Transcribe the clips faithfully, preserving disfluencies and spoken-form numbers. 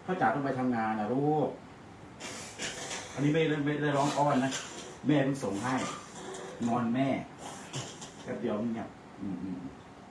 พ่อจ๋าต้องไปทำงานนะลูกอันนี้ไม่ได้ไม่ได้ร้องอ้อนนะแม่ต้องส่งให้งอนแม่แป๊บเดียวเนี่ยอืมอืม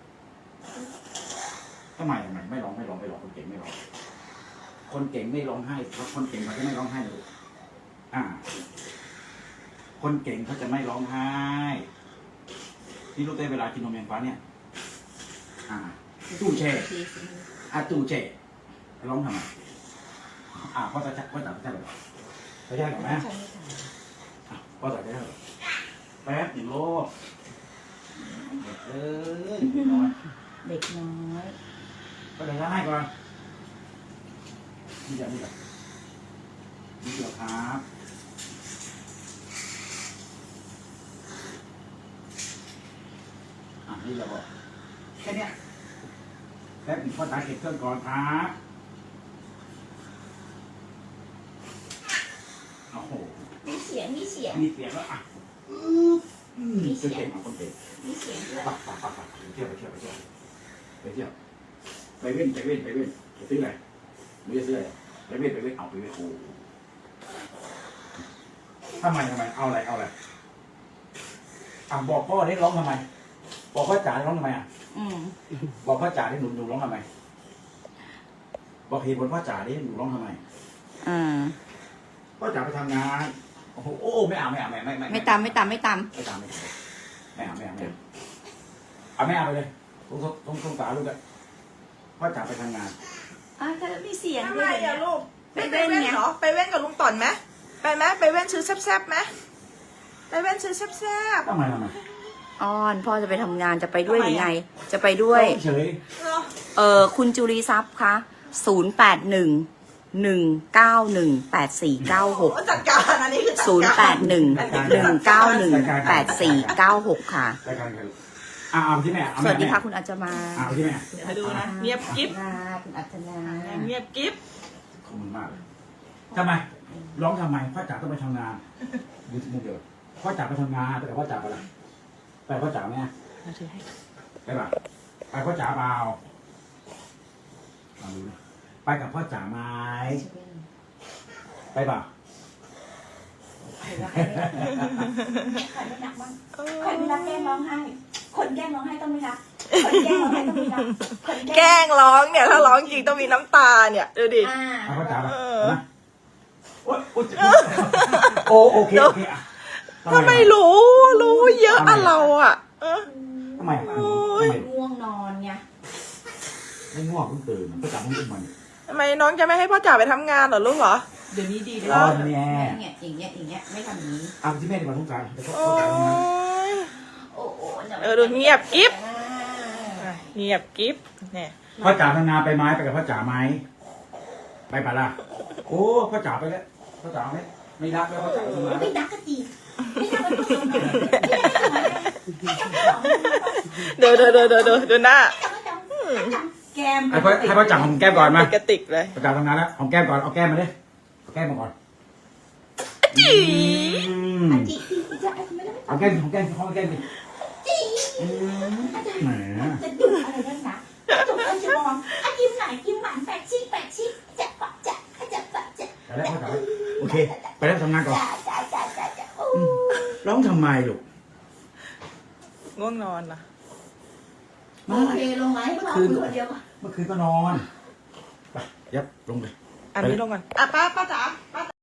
ทำไมทำไมไม่ร้องไม่ร้องไม่ร้องคนเก่งไม่ร้องคนเก่งไม่ร้องไห้เพราะคนเก่งเขาจะไม่ร้องไห้เลยอ่า คนเก่งเขาจะไม่ร้องไห้นี่รู้ได้เวลากินนมแมงฟ้าเนี่ยอ่าตู้แช่อ่าตู้แช่ร้องทำไมอ่าพ่อจะพ่อจะใช่หรือไม่ใช่หรอแม่อ่ะพ่อจะใช่หรอแป๊บหนึ่งโลกเด็กเอ้ยเด็กน้อยเด็กน้อยก็เลยให้ก่อนนี่จะนี่จะนี่เดี๋ยวครับอ่ะนี่เราบอกแค่เนี้ยแป๊บหนึ่งพ่อตาเก็บเครื่องก่อนครับโอ้โหมีเสียงมีเสียงมีเสียงแล้วอ่ะมีเสียงของคนเก่งมีเสียงด้วยไปไปไปไปไปเที่ยวไปเที่ยวไปเที่ยวไปเที่ยวไปเว้นไปเว้นไปเว้นไปซื้ออะไรไม่ได้ซื้ออะไรไปเว้นไปเว้นเอาไปเว้นโอ้ทำไมทำไมเอาอะไรเอาอะไรอ่ะบอกพ่อได้ร้องทำไมบอกพ่อจ๋าได้ร้องทำไมอ่ะอืมบอกพ่อจ๋าได้หนูหนูร้องทำไมบอกเหตุผลพ่อจ๋าได้หนูร้องทำไมอ่าพ่อจ๋าไปทำงานโอ้โหโอ้ไม่เอาไม่เอาไม่ไม่ไม่ไม่ตามไม่ตามไม่ตามไม่ตามไม่ตามไม่เอาไม่เอาไม่เอาเอาไม่เอาไปเลยต้องต้องต้องตาลูกอะพ่อจ๋าไปทำงานอ่าถ้ามีเสียงทำด้ไมวยอะลูกไปไปเว้นเว้นไงเหรอไปเว้นกับลุงต่อนไหมไปไหมไปเว้นซื้อแซ่บๆไหมไปเว้นซื้อแซ่บทำไมทำไมอ้อนพ่อจะไปทำงานจะไปด้วยหรือไง จะไปด้วยเฉยๆเนาะเออคุณจุลีทรัพย์คะศูนย์แปดหนึ่งหนึ่งเก้าหนึ่งแปดสี่เก้าหกโอ้จัดการอันนี้คือจัดศูนย์แปดหนึ่งหนึ่งเก้าหนึ่งแปดสี่เก้าหกค่ะรายการกันอ่าเอาที่แม่เอาสวัสดีค่ะคุณอัจจมาเอาที่แม่เดี๋ยวให้ดูนะเงียบกิ๊บคุณอัจจนาเงียบกิ๊บขอบคุณมากเลยทำไมร้องทำไมพ่อจ๋าต้องไปทำงานดูที่มือเดียวพ่อจ๋าไปทำงานแต่พ่อจ๋าไปอะไรไปพ่อจ๋าไหมไปป่ะไปพ่อจ๋าเปล่าลองดูนะไปกับพ่อจ๋าไหมไปป่ะใครไม่รักบ้างใครไม่รักแกล้งร้องไห้ คนแกล้งร้องไห้ต้องไม่รักคนแกล้งร้องไห้ต้องไม่รักคนแกล้งร้องเนี่ยถ้าร้องจริงต้องมีน้ำตาเนี่ยดูดิอ่าไปพ่อจ๋าป่ะนะโอ้ยโอ้ยโอ้โอเคโอเคอ่ะถ้าไม่รู้รู้เยอะอะเราอะเออทำไมอ่ะทำไมง่วงนอนไงไม่ง่วงเพิ่งตื่นพ่อจ๋าเพิ่งตื่นมาทำไมน้องจะไม่ให้พ่อจ๋าไปทำงานเหรอลูกเหรอเดี๋ยวนี้ดีเลยตอนเนี้ยเนี่ยอย่างเงี้ยอย่างเงี้ยไม่ทำอย่างนี้เอาที่แม่ดีกว่าทุกการเดี๋ยวพ่อโอ้จ๋าทำงานยโอ้โหเออดูเงียบกิ๊บ อ่ะเงียบกิ๊บเนี่ยพ่อจ๋าทำงานไปไหมไปกับพ่อจ๋าไหมไปปะล่ะโอ้พ่อจ๋าไปแล้วพ่อจ๋าไม่ไม่รักแล้วพ่อจ๋าทำงานไม่รักก็ดีไม่รักก็ดีไม่รักก็ดีเดี๋ยวเดี๋ยวเดี๋ยวเดี๋ยวดูหน้าแกมให้พ่อให้พ่อจ๋าหอมแก้มก่อนมากระติกเลยพ่อจ๋าทำงานแล้วหอมแก้มก่อนเอาแก้มมาดิเอาแก้มมาก่อนจีอืมจีจะไม่ได้เอาแก้มหอมแก้มหอมแก้มดิจีอืมแหมจะดุอะไรนักหนาจุกอันจะมองอันยิ้มไหนยิ้มหวานแปดชิแปดชิจะปะจะจะปะจะไปแล้วพ่อจ๋าโอเคไปแล้วทำงานก่อนจะจะจะจะโอ้ร้องทำไมลูกง่วงนอนนะโอเคลงไหมเมื่อคืนคนเดียวเมื่อคืนก็นอนไปยับลงเลยอันนี้ลงก่อนอ่ะป้าป้าจ๋า